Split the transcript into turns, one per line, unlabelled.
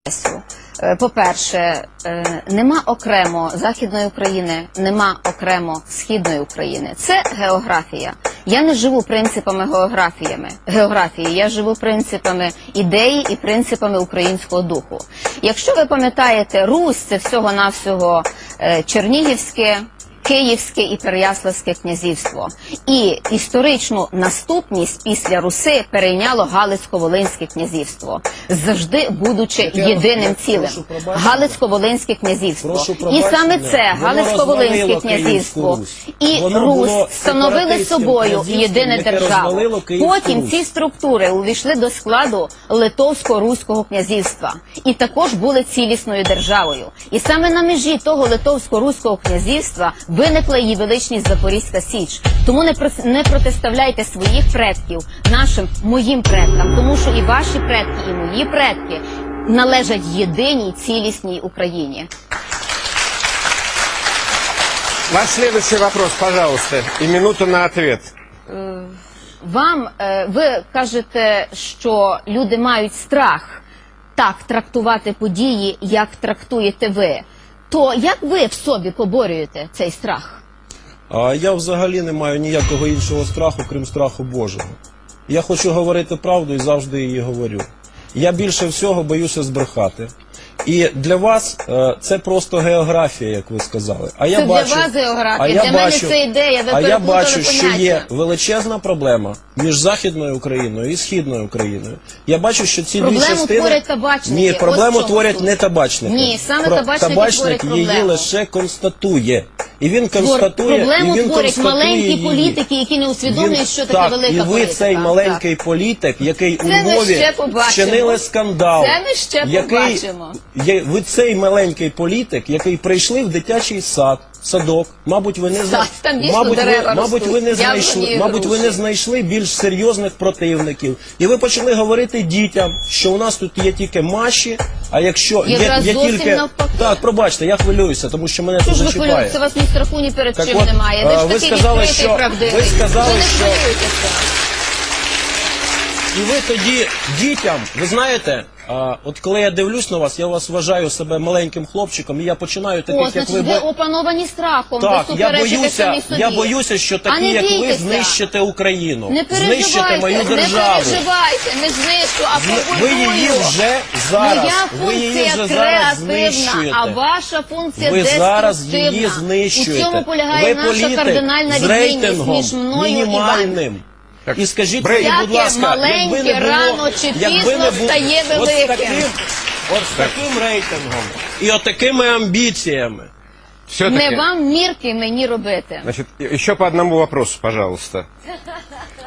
По-перше, нема окремо Західної України, нема окремо Східної України. Це географія. Я не живу принципами географії, я живу принципами ідеї і принципами українського духу. Якщо ви пам'ятаєте, Русь – це всього-навсього Чернігівське, Київське і Переяславське князівство. І історичну наступність після Руси перейняло Галицько-Волинське князівство, завжди будучи єдиним цілим. Галицько-Волинське князівство. І саме це Галицько-Волинське князівство і Русь становили собою єдине державу. Потім ці структури увійшли до складу Литовсько-Руського князівства і також були цілісною державою. І саме на межі того Литовсько-Руського князівства виникла її величність Запорізька Січ. Тому не протиставляйте своїх предків моїм предкам, тому що і ваші предки, і мої предки належать єдиній цілісній Україні.
Ваш следующий вопрос, пожалуйста, и минуту на ответ.
Ви кажете, що люди мають страх так трактувати події, як трактуєте ви. То як ви в собі поборюєте цей страх?
Я взагалі не маю ніякого іншого страху, крім страху Божого. Я хочу говорити правду і завжди її говорю. Я більше всього боюся збрехати. І для вас це просто географія, як ви сказали.
Це для вас географія, для мене це ідея, ви переплутали поняття.
А я бачу, що є величезна проблема між Західною Україною і Східною Україною. Я бачу, що ці дві частини...
Проблему творять табачники.
Ні, проблему творять не табачники.
Ні, саме табачники творять проблему.
Її лише констатує. І він констатує,
проблему творять маленькі політики, які не усвідомлюють, що таке велика політика.
І ви цей маленький політик, який у Львові вчинили скандал.
Це ми ще побачимо.
Ви цей маленький політик, який прийшли в дитячий садок, мабуть, ви не знайшли більш серйозних противників. І ви почали говорити дітям, що у нас тут є тільки маші, а якщо є тільки... Так, пробачте, я хвилююся, тому що мене тут зачіпає.
Це вас ні страху, ні перед чим немає. Ви ж такий відкритий, правдивий.
Ви сказали,
ви не
що...
хвилюєтеся.
І ви тоді дітям, ви знаєте, от коли я дивлюсь на вас, я вас вважаю себе маленьким хлопчиком, і я починаю таких, як ви...
ви опановані страхом,
так,
ви суперечите самі собі.
Я боюся, що такі, як ви, знищите Україну,
не
знищите мою державу.
Не переживайте, не знищу, а побудую.
Ви її вже зараз,
Моя функція креативна, а ваша функція деструктивна.
Ви зараз її знищуєте.
У цьому полягає наша кардинальна відмінність між мною і вами.
І скажіть мені, будь ласка,
маленьке, рано чи пізно стає великим.
От з таким рейтингом і от такими амбіціями.
Не вам мірки мені робити.
Значит, еще по одному вопросу, пожалуйста.